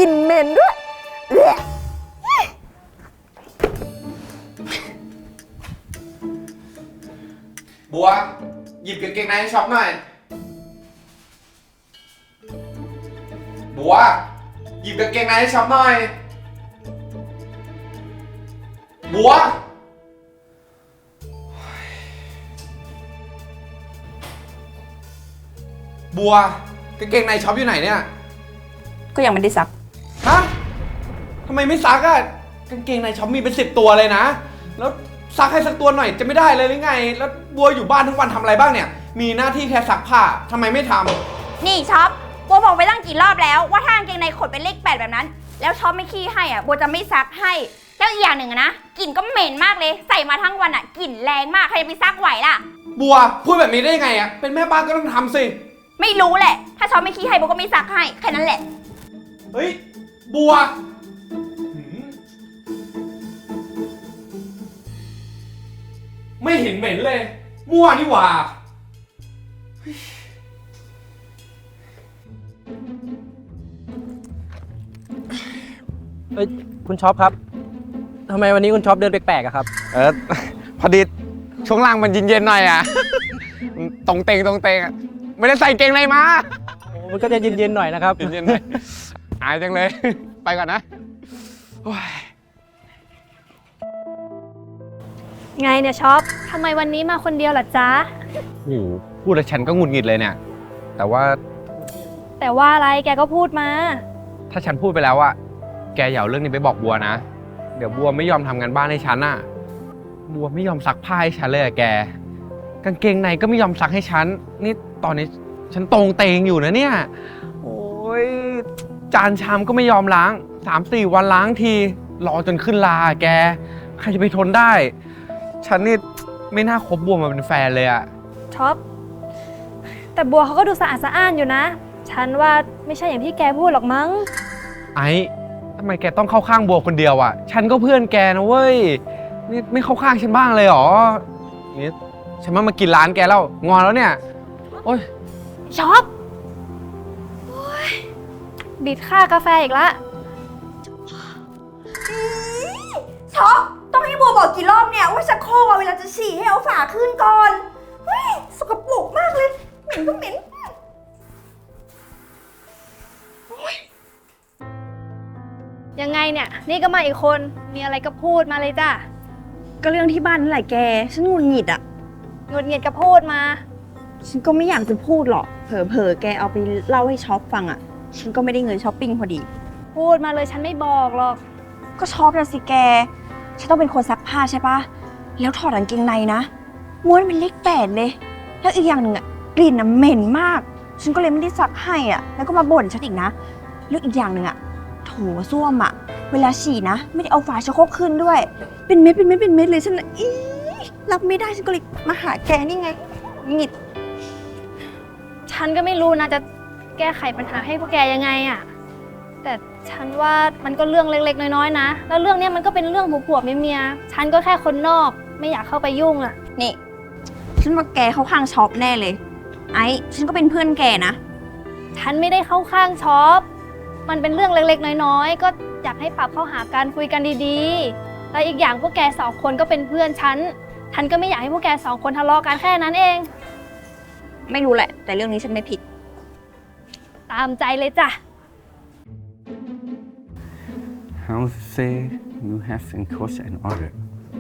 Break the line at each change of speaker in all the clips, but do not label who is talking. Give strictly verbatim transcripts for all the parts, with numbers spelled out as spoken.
ลิ่นเหม็นด้วยแหละ
บัวหยิบกางเกงในให้ช็อปหน่อยบัวหยิบกางเกงในให้ช็อปหน่อยบัวบัวกางเกงในช็อปอยู่ไหนเนี่ย
ก็ยังไม่ได้ซัก
ฮะทำไมไม่ซักอะกางเกงในช็อปมีเป็นสิบตัวเลยนะแล้วซักให้สักตัวหน่อยจะไม่ได้เลยหรือไงแล้วบัวอยู่บ้านทั้งวันทำอะไรบ้างเนี่ยมีหน้าที่แค่ซักผ้าทำไมไม่ทำ
นี่ช็อปบัวบอกไปตั้งกี่รอบแล้วว่าถ้ากางเกงในขดเป็นเลขแปดแบบนั้นแล้วช็อปไม่ขี้ให้อ่ะบัวจะไม่ซักให้แล้วอีกอย่างหนึ่งนะกลิ่นก็เหม็นมากเลยใส่มาทั้งวันอ่ะกลิ่นแรงมากใครจะไปซักไหวล่ะ
บัวพูดแบบนี้ได้ยังไงอ่ะเป็นแม่บ้านก็ต้องทำสิ
ไม่รู้แหละถ้าช็อปไม่ขี้ให้บัวก็ไม่ซักให้แค่นั้นแหละ
เฮ้ยบัวไม่เห็นเหม็นเลยมั่วนี่หว่า
เอ้ยคุณช็อปครับทำไมวันนี้คุณช็อปเดินแปลกๆอะครับ
เออพอดีช่วงล่างมันเย็นๆหน่อยอ่ะตรงเตงตรงเตงอ่ะไม่ได้ใส่เกงในมา
มันก็จะเย็นๆหน่อยนะครับ
เย็นๆหน่อยอายจังเลยไปก่อนนะ
ไงเนี่ยช็อปทำไมวันนี้มาคนเดียวล่ะจ๊ะ
โอ้โหพูดแล้วฉันก็หงุดหงิดเลยเนี่ยแต่ว่า
แต่ว่าอะไรแกก็พูดมา
ถ้าฉันพูดไปแล้วอะแกอย่าเอาเรื่องนี้ไปบอกบัวนะเดี๋ยวบัวไม่ยอมทำงานบ้านให้ฉันอะบัวไม่ยอมซักผ้าให้ฉันเลยอะแกกางเกงในก็ไม่ยอมซักให้ฉันนี่ตอนนี้ฉันตรงเตงอยู่นะเนี่ยโอ้ยจานชามก็ไม่ยอมล้างสามสี่วันล้างทีรอจนขึ้นลาแกใครจะไปทนได้ฉันนี่ไม่น่าคบบัวมาเป็นแฟนเลยอะ
ช็อปแต่บัวเขาก็ดูสะอาดสะอ้านอยู่นะฉันว่าไม่ใช่อย่างที่แกพูดหรอกมั้ง
ไอ้ทำไมแกต้องเข้าข้างบัวคนเดียวอะฉันก็เพื่อนแกนะเว้ยนี่ไม่เข้าข้างฉันบ้างเลยหรอนี่ฉันมามากินร้านแกแล้วงอนแล้วเนี่ยโอ๊ย
ช็อปบิดค่ากาแฟอีกละ
ช็อปต้องให้บัวบอกกี่รอบเนี่ยว่าชักโครกเวลาจะฉี่ให้เอาฝาขึ้นก่อนเฮ้ยสกปรกมากเลยเหม็นก็เหม็น
ยังไงเนี่ยนี่ก็มาอีกคนมีอะไรก็พูดมาเลยจ้ะ
ก็เรื่องที่บ้านนั่นแหละแกฉันหงุดหงิดอ่ะ
หงุดหงิดก็พูดมา
ฉันก็ไม่อยากจะพูดหรอกเผลอๆแกเอาไปเล่าให้ช็อปฟังอ่ะฉันก็ไม่ได้เงินช้อปปิ้งพอดี
พูดมาเลยฉันไม่บอกหรอก
ก็ช็อปนะสิแกฉันต้องเป็นคนซักผ้าใช่ปะแล้วถอดกางเกงในนะม้วนเป็นเลขแปดเลยแล้วอีกอย่างหนึ่งอ่ะกลิ่นอ่ะเหม็นมากฉันก็เลยไม่ได้ซักให้อ่ะแล้วก็มาบ่นฉันอีกนะแล้วอีกอย่างหนึ่งอ่ะโถส้วมอ่ะเวลาฉี่นะไม่ได้เอาฝาชักโครกขึ้นด้วยเป็นเม็ดเป็นเม็ดเป็นเม็ดเลยฉันอีรับไม่ได้ฉันก็เลยมาหาแกนี่ไงหงิด
ฉันก็ไม่รู้นะจะแก้ไขปัญหาให้พวกแกยังไงอ่ะแต่ฉันว่ามันก็เรื่องเล็กๆน้อยๆนะแล้วเรื่องนี้มันก็เป็นเรื่องผัวๆเมียๆฉันก็แค่คนนอกไม่อยากเข้าไปยุ่งอ่ะ
นี่ฉันว่าแกเข้าข้างช็อปแน่เลยไอ้ฉันก็เป็นเพื่อนแกนะ
ฉันไม่ได้เข้าข้างช็อปมันเป็นเรื่องเล็กๆน้อยๆก็อยากให้ปรับเข้าหากันคุยกันดีๆแล้วอีกอย่างพวกแกสองคนก็เป็นเพื่อนฉันฉันก็ไม่อยากให้พวกแกสองคนทะเลาะกันแค่นั้นเอง
ไม่รู้แหละแต่เรื่องนี้ฉันไม่ผิด
ตามใจเลยจ้ะ
How say you have in coach and order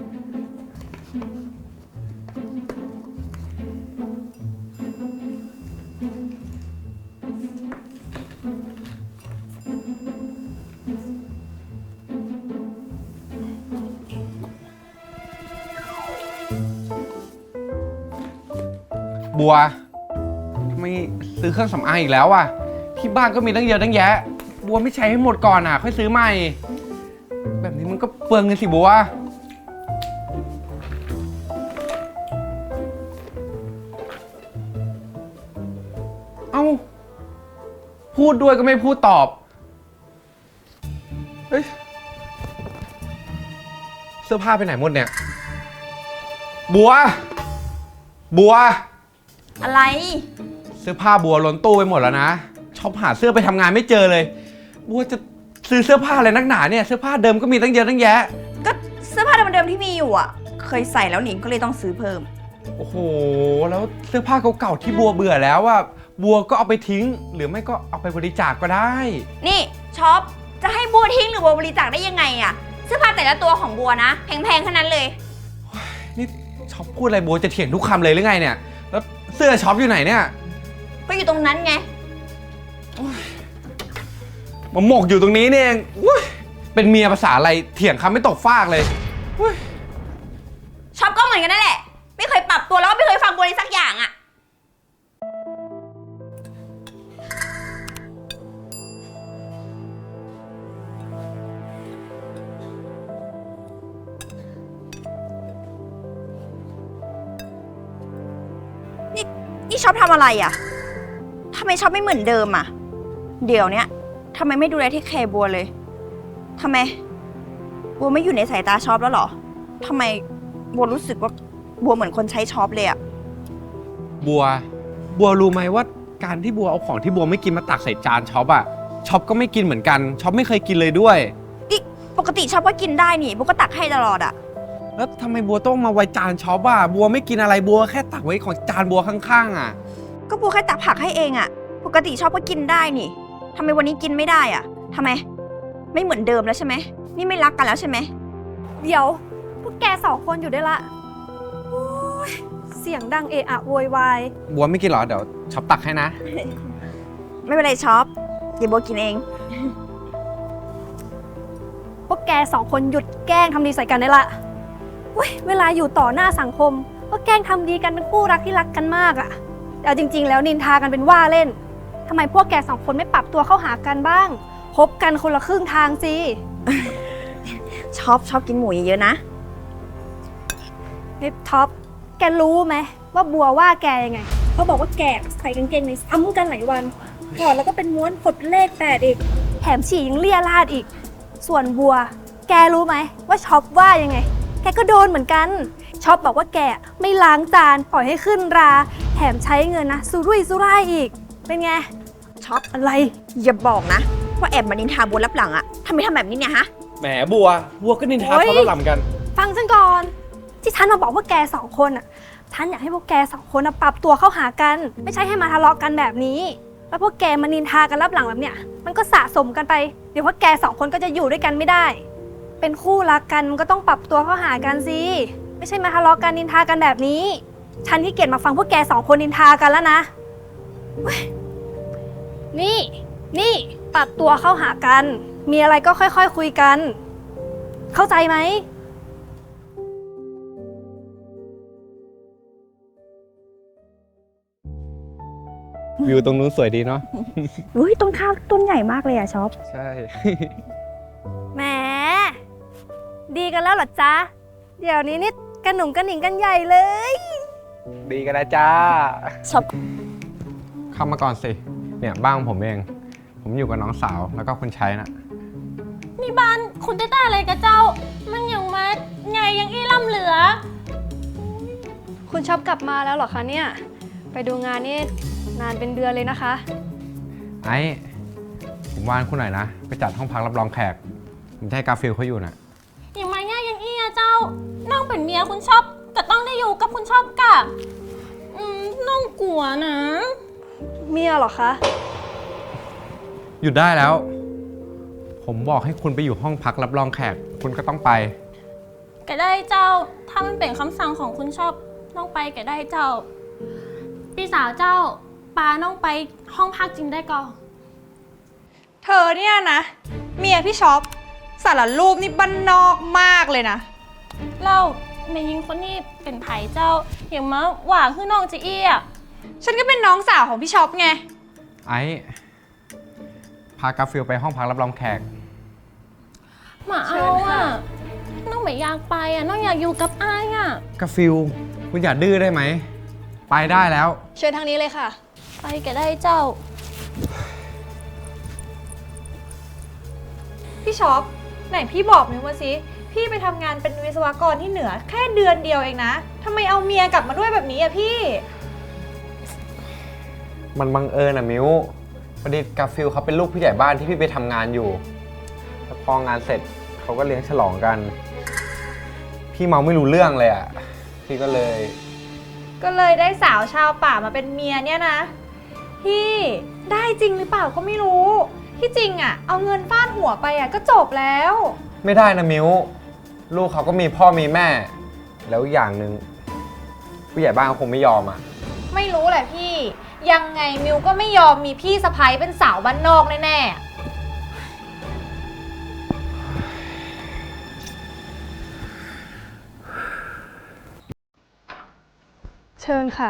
บัวไม่ซื้อเครื่องสำอางอีกแล้วอ่ะที่บ้านก็มีตั้งเยอะตั้งแยะบัวไม่ใช้ให้หมดก่อนอ่ะค่อยซื้อใหม่แบบนี้มันก็เปลืองเงินสิบัวเอ้าพูดด้วยก็ไม่พูดตอบเฮ้ยเสื้อผ้าไปไหนหมดเนี่ยบัวบัว
อะไร
เสื้อผ้าบัวล้นตู้ไปหมดแล้วนะชอบหาเสื้อไปทำงานไม่เจอเลยบัวจะซื้อเสื้อผ้าอะไรนักหนาเนี่ยเสื้อผ้าเดิมก็มีตั้งเยอะตั้งแยะ
ก็เสื้อผ้าเดิมๆที่มีอยู่อ่ะ เคยใส่แล้วหนิก็เลยต้องซื้อเพิ่ม
โอ้โหแล้วเสื้อผ้าเก่าๆที่บัวเบื่อแล้วอะบัวก็เอาไปทิ้ง หรือไม่ก็เอาไปบริจาคก็ได้
นี่ช็อปจะให้บัวทิ้งหรือบัวบริจาคได้ยังไงอะเสื้อผ้าแต่ละตัวของบัวนะแพงๆขนาดนั้นเลย
นี่ช็อปพูดอะไรบัวจะเถียงทุกคำเลยหรือไงเนี่ยแล้วเสื้อช็อปอยู่ไหนเนี่ย
ก็อยู่ตรงนั้นไง
มาหมกอยู่ตรงนี้นี่เองอุ๊ยเป็นเมียภาษาอะไรเถียงคำไม่ตกฟากเลยอุ๊ย
ช็อปก็เหมือนกันนั่นแหละ ไม่เคยปรับตัวแล้วก็ไม่เคยฟังบัวเลยสักอย่างอะ
นี่ชอบทำอะไรอ่ะทำไมชอบไม่เหมือนเดิมอ่ะ เดี๋ยวเนี้ยทำไมไม่ดูแลที่แคร์บัวเลยทำไม บัวไม่อยู่ในสายตาชอบแล้วเหรอทำไมบัวรู้สึกว่าบัวเหมือนคนใช้ชอบเลยอ่ะ
บัว บัวรู้ไหมว่าการที่บัวเอาของที่บัวไม่กินมาตักใส่จานช็อปอะช็อปก็ไม่กินเหมือนกันช็อปไม่เคยกินเลยด้วย
นี่ปกติชอบก็กินได้นี่บัวก็ตักให้ตลอดอ่ะ
แล้วทำไมบัวต้องมาไว้จานช็อปอะบัวไม่กินอะไรบัวแค่ตักไว้ของจานบัวข้างๆอะ
ก็บัวแค่ตักผักให้เองอ่ะ ปกติชอบก็กินได้นี่ทำไมวันนี้กินไม่ได้อ่ะทำไม ไม่เหมือนเดิมแล้วใช่ไหมนี่ไม่รักกันแล้วใช่ไหม
เดี๋ยว พวกแกสองคนอยู่ได้ละโอ๊ยเสียงดังเอะอะโวยวาย
บัวไม่กินเหรอเดี๋ยวช็อปตักให้นะ
ไม่เป็นไรชอบเดี๋ยวบัวกินเอง
พวกแกสองคนหยุดแกล้งทำดีใส่กันได้ละเว้ยเวลาอยู่ต่อหน้าสังคม ก็แกล้งทำดีกันเป็นคู่รักที่รักกันมากอะแต่เอาจริง ๆ แล้วนินทากันเป็นว่าเล่นทำไมพวกแกสองคนไม่ปรับตัวเข้าหากันบ้างคบกันคนละครึ่งทางสิ
ชอบชอบกินหมูเยอะๆนะ
นิดท็อปแกรู้ไหมว่าบัวว่าแกยังไงเขาบอกว่าแกใส่กางเกงในซ้ำกันหลายวันถอดแล้วก็เป็นม้วนขดเลขแปดอีกแถมฉี่ยังเลี่ยราดอีก ส่วนบัว แกรู้ไหมว่าช็อปว่ายังไงแกก็โดนเหมือนกันช็อปบอกว่าแกไม่ล้างจานปล่อยให้ขึ้นราแถมใช้เงินนะสุรุ่ยสุร่ายอีกเป็นไง
ช็อป
อะไร
อย่าบอกนะว่าแอบมานินทาบัวรับหลังอะทำไมทำแบบนี้เนี่ยฮะ
แหมบัว บัวก็นินทา
โอ๊ย
เขาแล้วลำกัน
ฟังฉันก่อนที่ฉันมาบอกว่าแกสองคนอ่ะฉันอยากให้พวกแกสองคนน่ะปรับตัวเข้าหากัน ไม่ใช่ให้มาทะเลาะกันแบบนี้ แล้วพวกแกมานินทากันรับหลังแบบเนี้ยมันก็สะสมกันไปเดี๋ยวพวกแกสองคนก็จะอยู่ด้วยกันไม่ได้ เป็นคู่รักกันมันก็ต้องปรับตัวเข้าหากันสิไม่ใช่มาทะเลาะกันนินทากันแบบนี้ ฉันที่เกียจมาฟังพวกแกสองคนนินทากันแล้วนะเว้ยนี่ นี่ปรับตัวเข้าหากัน มีอะไรก็ค่อยๆ ค, คุยกัน เข้าใจไหม
วิวตรงนู้นสวยดีเนาะ
อุ้ยต้นข้าวต้นใหญ่มากเลยอะช็อป
ใช่
แหม ดีกันแล้วเหรอจ๊ะ เดี๋ยวนี้นี่กระหนุ่งกระหนิงกันใหญ่เลย
ดีกันแล้วจ้า
ช็อป
เข้ามาก่อนสิ เนี่ยบ้านของผมเอง ผมอยู่กับน้องสาวแล้วก็คนใช้นะ
นี่บ้านคุณได้แต่อะไรกับเจ้า มันยังมาไงยังอี้ล่ำเหลือ
คุณชอบกลับมาแล้วเหรอคะเนี่ย ไปดูงานนี่นานเป็นเดือนเลยนะคะ
ไอ้ผมว่านคุณหน่อยนะ ไปจัดห้องพักรับรองแขก ผมจะให้กาฟิลเขาอยู่นะ
ยังมาง่ายยังอี้อะเจ้า น้องเป็นเมียคุณชอบก็ต้องได้อยู่กับคุณชอบกะอืมน้องกลัวนะ
เมียเหรอคะ
หยุดได้แล้ว ผมบอกให้คุณไปอยู่ห้องพักรับรองแขก คุณก็ต้องไป
ก็ได้เจ้า ถ้ามันเป็นคำสั่งของคุณชอบน้องไปก็ได้เจ้า พี่สาวเจ้าปาน้องไปห้องพักจริงได้ก่อน
เธอเนี่ยนะ เมียพี่ช็อปสารรูปนี่บ้านนอกมากเลยนะ
เล่าแม่ยิงคนนี้เป็นไผ่เจ้า อย่างมาหว่าคือน้องจะอี้อะ
ฉันก็เป็นน้องสาวของพี่ช็อปไง
ไอ้พากาฟิลไปห้องพักรับรองแขก
มาเอาอะน้องไม่อยากไปอะน้องอยากอยู่กับอ้ายอะ
กาฟิลคุณอย่าดื้อได้ไหม ไปได้แล้ว
เชิญทางนี้เลยค่ะ
ไปก็ได้เจ้า
พี่ช็อปไหนพี่บอกหน่อยว่าสิพี่ไปทำงานเป็นวิศวกรที่เหนือแค่เดือนเดียวเองนะทำไมเอาเมียกลับมาด้วยแบบนี้อะพี่
มันบังเอิญอะมิวพอดีกาฟิลเขาเป็นลูกผู้ใหญ่บ้านที่พี่ไปทำงานอยู่แล้วพองานเสร็จเขาก็เลี้ยงฉลองกัน พี่เมาไม่รู้เรื่องเลยอ่ะ พี่ก็เลย
ก็เลยได้สาวชาวป่ามาเป็นเมียเนี่ยนะ พี่ได้จริงหรือเปล่าก็ไม่รู้ ที่จริงอะเอาเงินฟาดหัวไปอะก็จบแล้ว
ไม่ได้นะมิวลูกเขาก็มีพ่อมีแม่ แล้วอย่างหนึ่งผู้ใหญ่บ้านเขาคงไม่ยอมอ่ะ
ไม่รู้แหละพี่ ยังไงมิวก็ไม่ยอมมีพี่สะใภ้เป็นสาวบ้านนอกแน่ๆ
เชิญค่ะ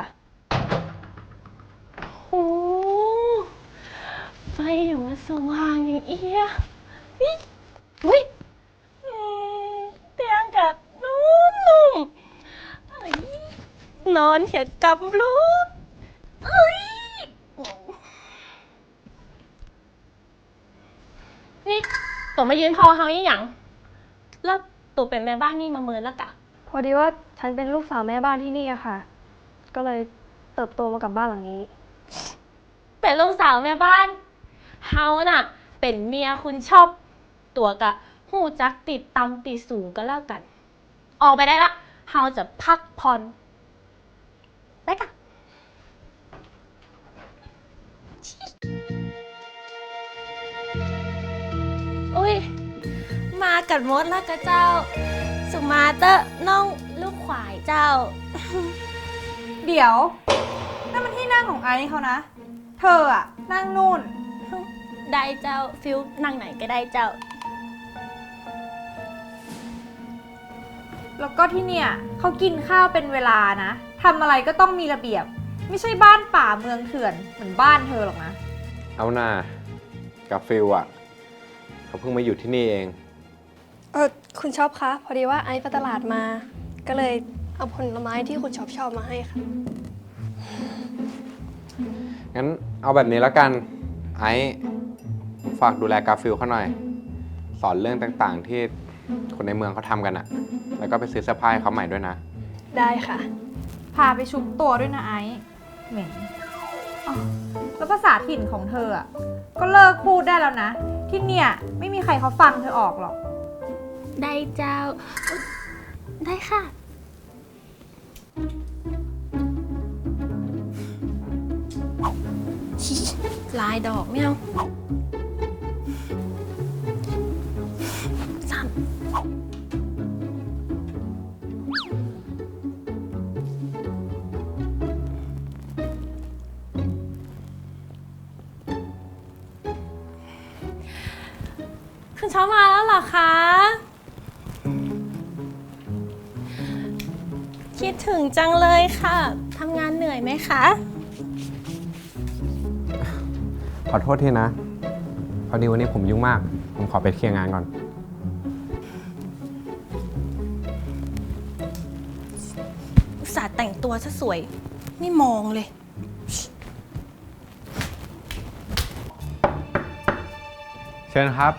โอ้ไฟอย่างมันสว่างอย่างเอี้ยนี่อุ้ยอืมเตียงกับนุ่มๆเอ้ยนอนเหียกับลูกเอ้ยนี่ตัวมายืนคอเฮาอีหยังแล้วตัวเป็นแม่บ้านนี่มาเมินแล้วกะ
พอดีว่าฉันเป็นลูกสาวแม่บ้านที่นี่อะค่ะ ก็เลยเติบโตมากับบ้านหลังนี้
เป็นลูกสาวแม่บ้านเฮาน่ะ เป็นเมียคุณชอบ ตัวกะหูจักติดตำติดสูงก็แล้วกัน ออกไปได้ละเฮาจะพักผ่อนไปกะอุ้ย มากัดมดแล้วกะเจ้า สุมาเตอร์น้องลูกขวายเจ้า
เดี๋ยวนั่นมันที่นั่งของไอซ์เขานะ เธออะนั่งนู่น
ได้เจ้าฟิลนั่งไหนก็ได้เจ้า
แล้วก็ที่เนี่ยเขากินข้าวเป็นเวลานะทำอะไรก็ต้องมีระเบียบ ไม่ใช่บ้านป่าเมืองเถื่อนเหมือนบ้านเธอหรอกนะ
เอาหน่ากับฟิลอ่ะเขาเพิ่งมาอยู่ที่นี่เอง
เออคุณชอบคะ พอดีว่าไอซ์ไปตลาดมา ก็เลยเอาผลไม้ที่คุณชอบชอบมาให้ค่ะ
งั้นเอาแบบนี้แล้วกัน ไอ้ฝากดูแลกาฟิลเขาหน่อย สอนเรื่องต่างๆ ที่คนในเมืองเขาทำกันอะแล้วก็ไปซื้อเสื้อผ้าให้เขาใหม่ด้วยนะ
ได้ค่ะ
พาไปชุบตัวด้วยนะไอซ์เหม็นอ๋อแล้วภาษาถิ่นของเธออะก็เลิกพูดได้แล้วนะ ที่เนี่ยไม่มีใครเขาฟังเธอออกหรอก
ได้เจ้า ได้ค่ะ ลายดอกไม่เอาสามคุณเช้ามาแล้วเหรอคะ คิดถึงจังเลยค่ะ ทำงานเหนื่อยไหมคะ
ขอโทษทีนะ พอดีวันนี้ผมยุ่งมาก ผมขอไปเคลียร์งานก่อน
อุตส่าห์แต่งตัวซะสวย ไม่มองเลย
เชิญครับ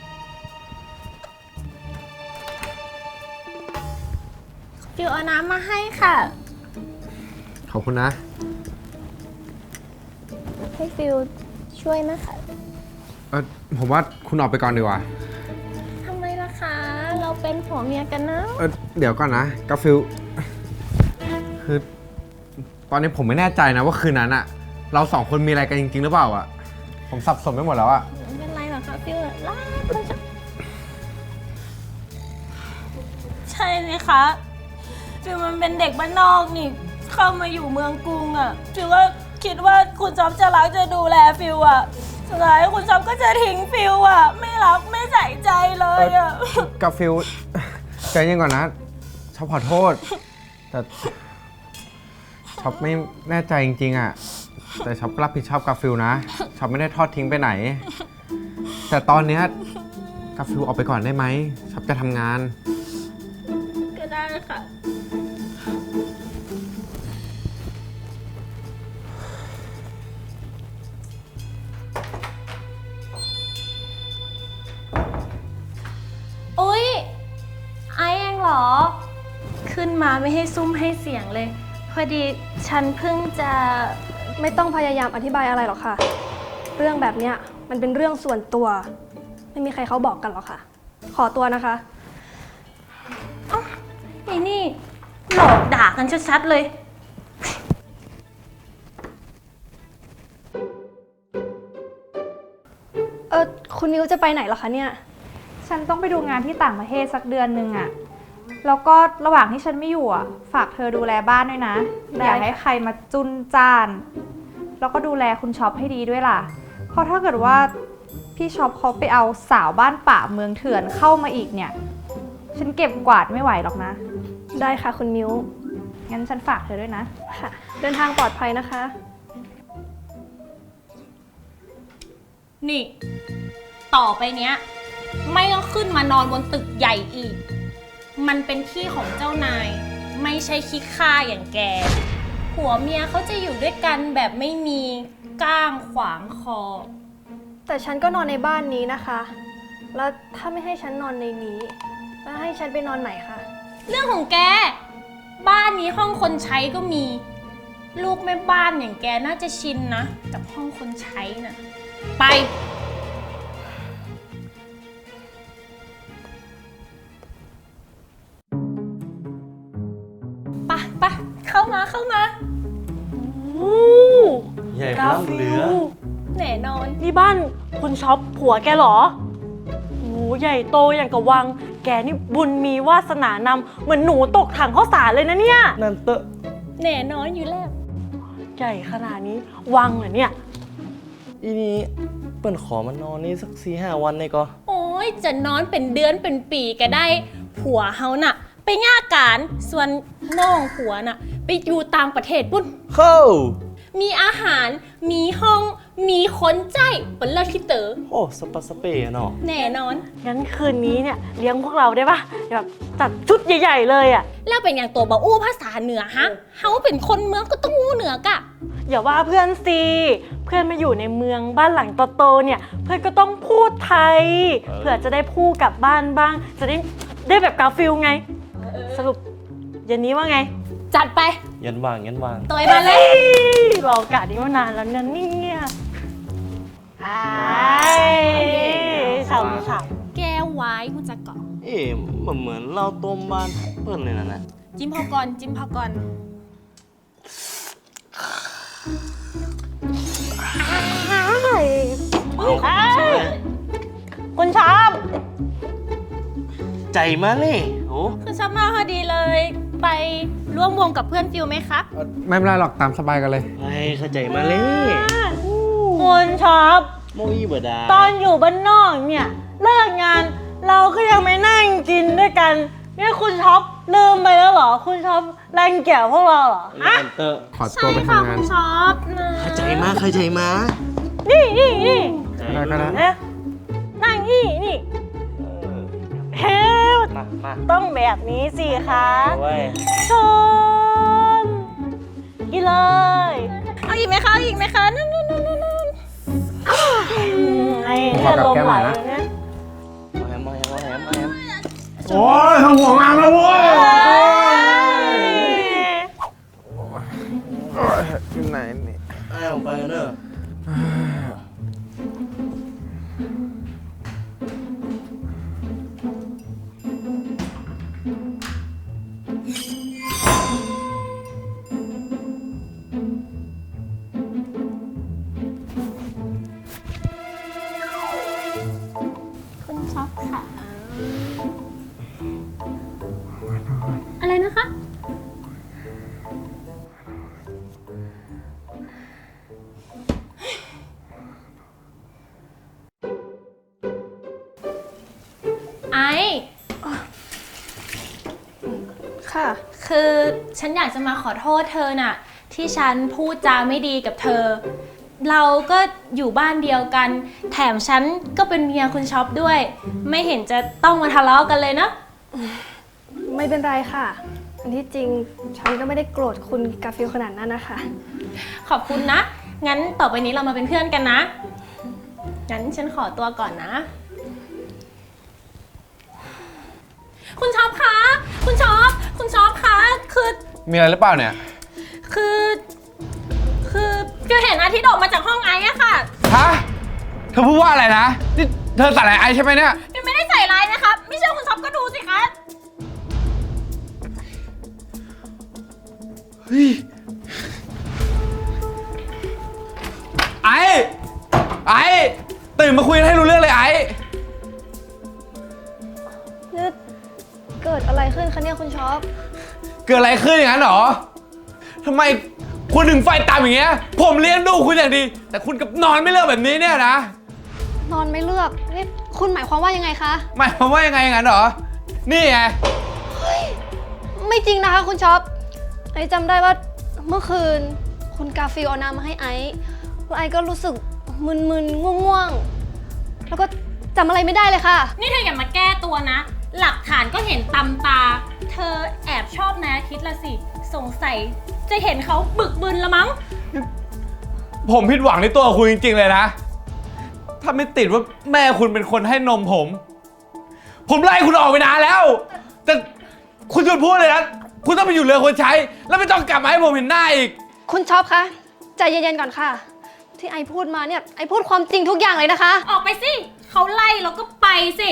ฟิวเอาน้ำมาให้ค่ะ
ขอบคุณนะ
ให้ฟิวช่วยนะคะ
เออผมว่าคุณออกไปก่อนดีกว่า
ทำไมล่ะคะ เราเป็นผัวเมียกันนะ
เออเดี๋ยวก่อนนะกาฟิลคือ ตอนนี้ผมไม่แน่ใจนะว่าคืนนั้นอะเราสองคนมีอะไรกันจริงๆหรือเปล่าอะผมสับสนไปหมดแล้วอะ
ไม่เป็นไรหรอกคะฟิวลามันจะใช่เลยคะฟิวมันเป็นเด็กบ้านนอกนี่ เข้ามาอยู่เมืองกรุงอะ่ะฟิวก็คิดว่าคุณจ๊อบจะรักจะดูแลฟิวอะ่ะสุดท้ายคุณจ๊อบก็จะทิ้งฟิวอะ่ะ ไม่รักไม่ใส่ใจเลยอะ่ะ
กาฟิลใจเย็นก่อนนะชอบขอโทษ แต่ช็อปไม่แน่ใจจริงๆอะแต่ช็อปรับผิดชอบกาฟิลนะช็อปไม่ได้ทอดทิ้งไปไหน แต่ตอนเนี้ยกาฟิลออกไปก่อนได้ไหมช็อปจะทำงาน
ก็ได้ค่ะ อุ๊ย ไอเองเหรอ ขึ้นมาไม่ให้ซุ้มให้เสียงเลย พอดีฉันเพิ่งจะ
ไม่ต้องพยายามอธิบายอะไรหรอกค่ะ เรื่องแบบเนี้ยมันเป็นเรื่องส่วนตัวไม่มีใครเขาบอกกันหรอกค่ะ ขอตัวนะคะ
ไอ้นี่หลอกด่ากันชัดๆเลย
เออคุณมิวจะไปไหนเหรอคะเนี่ย
ฉันต้องไปดูงานที่ต่างประเทศสักเดือนหนึ่งอะแล้วก็ระหว่างที่ฉันไม่อยู่อะฝากเธอดูแลบ้านด้วยนะ
ได้
อย่าให้ใครมาจุนจ้าน แล้วก็ดูแลคุณช็อปให้ดีด้วยล่ะ เพราะถ้าเกิดว่าพี่ช็อปเขาไปเอาสาวบ้านป่าเมืองเถื่อนเข้ามาอีกเนี่ย ฉันเก็บกวาดไม่ไหวหรอกนะ
ได้ค่ะคุณมิว
งั้นฉันฝากเธอด้วยนะ
ค่ะ เดินทางปลอดภัยนะคะ
นี่ ต่อไปเนี้ย ไม่ต้องขึ้นมานอนบนตึกใหญ่อีก มันเป็นที่ของเจ้านาย ไม่ใช่ขี้ข้าอย่างแก ผัวเมียเขาจะอยู่ด้วยกันแบบไม่มีก้างขวางคอ
แต่ฉันก็นอนในบ้านนี้นะคะ แล้วถ้าไม่ให้ฉันนอนในนี้ แล้วให้ฉันไปนอนไหนคะ
เรื่องของแก บ้านนี้ห้องคนใช้ก็มี ลูกแม่บ้านอย่างแกน่าจะชินนะกับห้องคนใช้น่ะ ไป ไปไปเข้ามาเข้ามา
ใหญ่พลังเหลือ
แน่นอน
นี่บ้านคุณช็อปผัวแกเหรอโอ้ใหญ่โตอย่างกับวัง แกนี่บุญมีวาสนานำเหมือนหนูตกถังข้าวสารเลยนะเนี่ย
นั่นเตอะ
แน่นอนอยู่แล้ว
ใหญ่ขนาดนี้วังเหรอเนี่ย
อีนี้เปิ้นขอมานอนนี่สักสี่ห้าวันเลยก็
โอ้ยจะนอนเป็นเดือนเป็นปีก็ได้ ผัวเฮาน่ะ ไปง่าการส่วนน้องผัวน่ะ ไปอยู่ต่างประเทศปุ่น
เข้า
มีอาหาร มีห้อง มีคนใจเป็นเลิศที่เต๋อ
โอ้สปาสเปะเนาะ
แน่นอน
งั้นคืนนี้เนี่ยเลี้ยงพวกเราได้ปะแบบจัดชุดใหญ่ๆเลยอะ
แล้วเป็นอย่างตัวบาอู้ภาษาเหนือฮะ เฮาเป็นคนเมืองก็ต้องอู้เหนือกะ
อย่าว่าเพื่อนสิเพื่อนมาอยู่ในเมืองบ้านหลังโตๆเนี่ย เพื่อนก็ต้องพูดไทยเผื่อจะได้พูดกลับบ้านบ้าง จะได้ได้แบบกาฟิลไง สรุปเย็นนี้ว่าไง
จัดไป
ยันวางยันวาง
ตัวไอ้มาเลย
รอโอกาสนี้มานานแล้วนะเนี่ยไอ้ฉ่ำๆ
แก้วไว้คุณจะเกาะ
เอ๊ะมันเหมือนเราต้มบ้านเปิ้นเลยนะนะ
จิ้มพอก่อน จิ้มพอก่อน
คุณชอบ
ใจมาเลยโอ้
คือชอบมากพอดีเลย ไปร่วมวงกับเพื่อนฟิวไหมครับ
ไม่เป็นไรหรอกตามสบายกันเลย
ไอ้เข้าใจมาเลย
คุณชอบ
โมอีเบดา
ตอนอยู่บ้านนอกเนี่ย เลิกงาน เราก็ยังไม่นั่งกินด้วยกันเนี่ยคุณช็อปลืมไปแล้วเหรอ คุณช็อปรังเกียจพวกเราเหรอฮะ
นั่นเตอะ
ขอตัวไปทำงาน
ชอบนะ
เข้าใจมาเข้าใจมา
นี่นี่นี่
ได้ก็ได้
นะนั่งนี่นี่เฮล
มามา
ต้องแบบนี้สิคะ
เอาไว้
ชนกินเลย
เอาอีกไหมคะเอาอีกไหมคะนั่นนั่นนั่นนั่น
ไอ้เนี่ยลมไหลเนี่ย
เอาแฮมเอาแฮมเอาแฮมเอาแฮม
โอ้ยทำหัวงามแล้วเว้ยอยู่ไหนนี่
ไอ้ออกไปเนอะ
คุณชอบค่ะ อะไรนะคะ ไอ
ค่ะ
คือฉันอยากจะมาขอโทษเธอน่ะ ที่ฉันพูดจาไม่ดีกับเธอ เราก็อยู่บ้านเดียวกัน แถมฉันก็เป็นเมียคุณช็อปด้วย ไม่เห็นจะต้องมาทะเลาะกันเลยนะ
ไม่เป็นไรค่ะ อันที่จริงฉันก็ไม่ได้โกรธคุณกาฟิลขนาดนั้นนะคะ
ขอบคุณนะ งั้นต่อไปนี้เรามาเป็นเพื่อนกันนะ งั้นฉันขอตัวก่อนนะ คุณช็อปคะ คุณช็อป คุณช็อปคะ คือ
มีอะไรหรือเปล่าเนี่ย
คือ คือคือเห็นอาทิตย์ออกมาจากห้องไอซ์อะค่ะ
ฮะ เธอพูดว่าอะไรนะ นี่เธเธอใส่อะไรไอใช่ไหมเนี่ย
ยังไม่ได้ใส่ร้ายนะครับ ไม่เชื่อคุณช็อปก็ดูสิคะ
เฮ้ย ไอไอตื่นมาคุยกันให้รู้เรื่องเลยไอ
นี่เกิดอะไรขึ้นคะเนี่ยคุณช็อป
เกิดอะไรขึ้นอย่างนั้นหรอทำไมคุณถึงไฟตามอย่างเงี้ย ผมเลี้ยงดูคุณอย่างดี แต่คุณกับนอนไม่เลิกแบบนี้เนี่ยนะ
นอนไม่เลือกนี่คุณหมายความว่ายังไงคะ
หมายความว่ายังไงอย่างนั้นหรอ นี่ไง
ไม่จริงนะคะคุณช็อป ไอซ์จำได้ว่าเมื่อคืนคุณกาฟิลเอาน้ำมาให้ไอซ์แล้วไอซ์ก็รู้สึกมึนๆง่วงๆ แล้วก็จำอะไรไม่ได้เลยค่ะ
นี่เธออย่ามาแก้ตัวนะ หลักฐานก็เห็นตำตา เธอแอบชอบนายอาทิตย์ละสิ สงสัยจะเห็นเขาบึกบึนละมั้ง
ผมผิดหวังในตัวคุณจริงๆเลยนะ ถ้าไม่ติดว่าแม่คุณเป็นคนให้นมผม ผมไล่คุณออกไปนานแล้ว แต่คุณหยุดพูดเลยนะ คุณต้องไปอยู่เรือคนใช้ แล้วไม่ต้องกลับมาให้ผมเห็นหน้าอีก
คุณช็อปคะใจเย็นๆก่อนค่ะ ที่ไอซ์พูดมาเนี่ยไอซ์พูดความจริงทุกอย่างเลยนะคะ
ออกไปสิ เขาไล่แล้วก็ไปสิ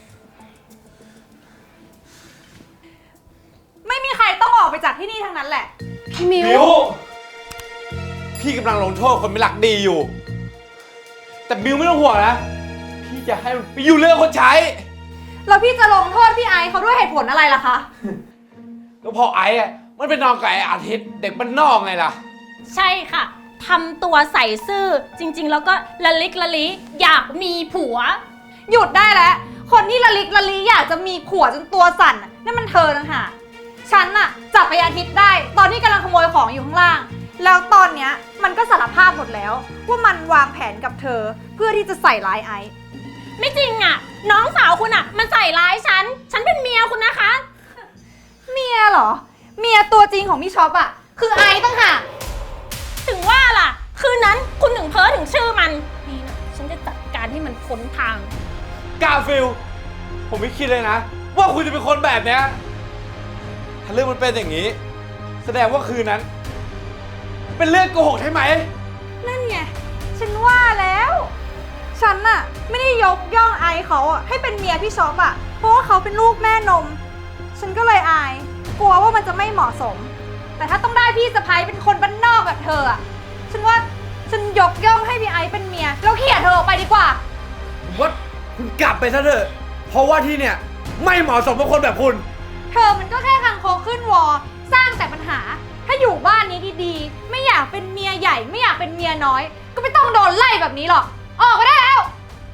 ไม่มีใครต้องออกไปจากที่นี่ทั้งนั้นแหละ
พี่มิว
มิวพี่กำลังลงโทษคนไม่รักดีอยู่ แต่มิวไม่ต้องห่วงนะ พี่จะให้มันไปอยู่เรือคนใช้
แล้วพี่จะลงโทษพี่ไอซ์เขาด้วยเหตุผลอะไรล่ะคะ
ก็พอไอ้อะมันเป็นนอนกับไอ้อาทิตย์เด็กบ้านนอกไงล่ะ
ใช่ค่ะทำตัวใส่ซื่อ จริงๆ แล้วก็ละลิกละลิอยากมีผัว
หยุดได้แล้ว คนที่ละลิกละลีอยากจะมีผัวจนตัวสั่นน่ะนั่นมันเธอนะฮะฉันน่ะจับไปอาทิตย์ได้ ตอนที่กำลังขโมยของอยู่ข้างล่าง แล้วตอนเนี้ยมันก็สารภาพหมดแล้ว ว่ามันวางแผนกับเธอเพื่อที่จะใส่ร้ายไอซ์
ไม่จริงอ่ะ น้องสาวคุณอ่ะ มันใส่ร้ายฉัน ฉันเป็นเมียคุณนะคะ
เมียเหรอ เมียตัวจริงของพี่ช็อปอะคือไอซ์ตั้งหาก
ถึงว่าล่ะ คืนนั้นคุณถึงเพ้อถึงชื่อมันนี่นะฉันจะจัดการให้มันพ้นทาง
กาฟิล ผมไม่คิดเลยนะ ว่าคุณจะเป็นคนแบบเนี้ย ถ้าเรื่องมันเป็นอย่างนี้ แสดงว่าคืนนั้น เป็นเรื่องโกหกใช่ไหม
นั่นไง ฉันว่าแล้ว ฉันน่ะไม่ได้ยกย่องไอซ์เขาอะให้เป็นเมียพี่ช็อปอะเพราะว่าเขาเป็นลูกแม่นม ฉันก็เลยอาย กลัวว่ามันจะไม่เหมาะสม แต่ถ้าต้องได้พี่สะพ้ยเป็นคนบ้านนอกแบบเธออะฉันว่าฉันยกย่องให้พี่ไอซ์เป็นเมียแล้วเขี่ยเธอออกไปดีกว่า
ผมว่าคุณกลับไปซะเถอะ เพราะว่าที่เนี่ยไม่เหมาะสมกับคนแบบคุณ
เธอมันก็แค่คังคกขึ้นวอสร้างแต่ปัญหา ถ้าอยู่บ้านนี้ดีๆ ไม่อยากเป็นเมียใหญ่ไม่อยากเป็นเมียน้อย ก็ไม่ต้องโดนไล่แบบนี้หรอก ออกไปได้แล้ว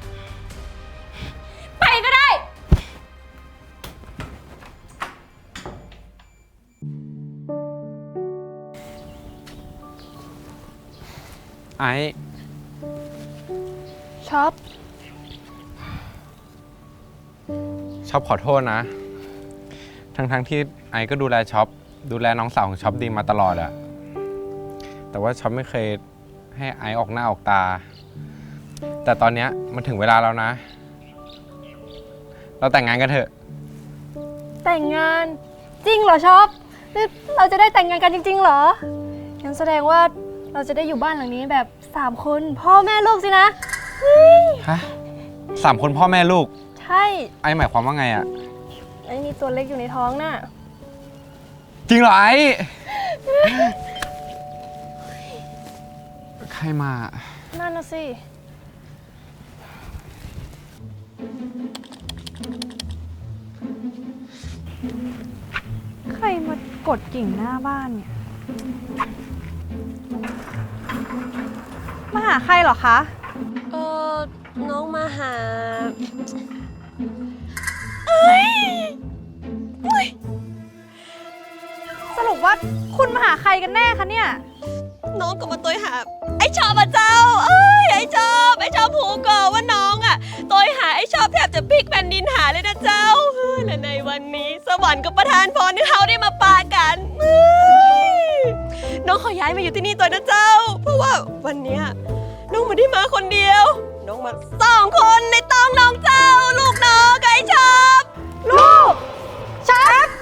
ไปก็ได้
ไอ้
ช็อป
ช็อปขอโทษนะ ทั้งๆทที่ไอ้ก็ดูแลช็อปดูแลน้องสาวของช็อปดีมาตลอดอะแต่ว่าช็อปไม่เคยให้ไอ้ออกหน้าออกตา แต่ตอนเนี้ยมันถึงเวลาแล้วนะ เราแต่งงานกันเถอะ
แต่งงานจริงเหรอช็อปนี่เราจะได้แต่งงานกันจริงๆเหรองั้นแสดงว่าเราจะได้อยู่บ้านหลังนี้แบบสามคนพ่อแม่ลูกสินะ
ฮะสามคนพ่อแม่ลูก
ใช่
ไอ้หมายความว่าไงอะ
ไอ้มีตัวเล็กอยู่ในท้องน่ะ
จริงเหรอไอ้ ใครมา
นั่นน่ะสิ
ใครมากดกิ่งหน้าบ้านเนี่ย มาหาใครเหรอคะ
เออน้องมาหา
สรุปว่าคุณมาหาใครกันแน่คะเนี่ย
น้องก็มาตัวหาไอ้ชอบอ่ะเจ้า เอ้ยไอ้ชอบไอ้ชอบผูก่อว่าน้องอ่ะตัวหาไอ้ชอบแทบจะพลิกแผ่นดินหาเลยนะเจ้าเฮ้ยและในวันนี้สวรรค์ก็ประทานพรให้เขาได้มาปากันเฮ้ยน้องขอย้ายมาอยู่ที่นี่ตัวนะเจ้า เพราะว่าวันเนี้ยน้องไม่ได้มาคนเดียว น้องมาสองคนในต้องน้องเจ้า ลูกน้องกับไอ้ชอบ
ลูกชับ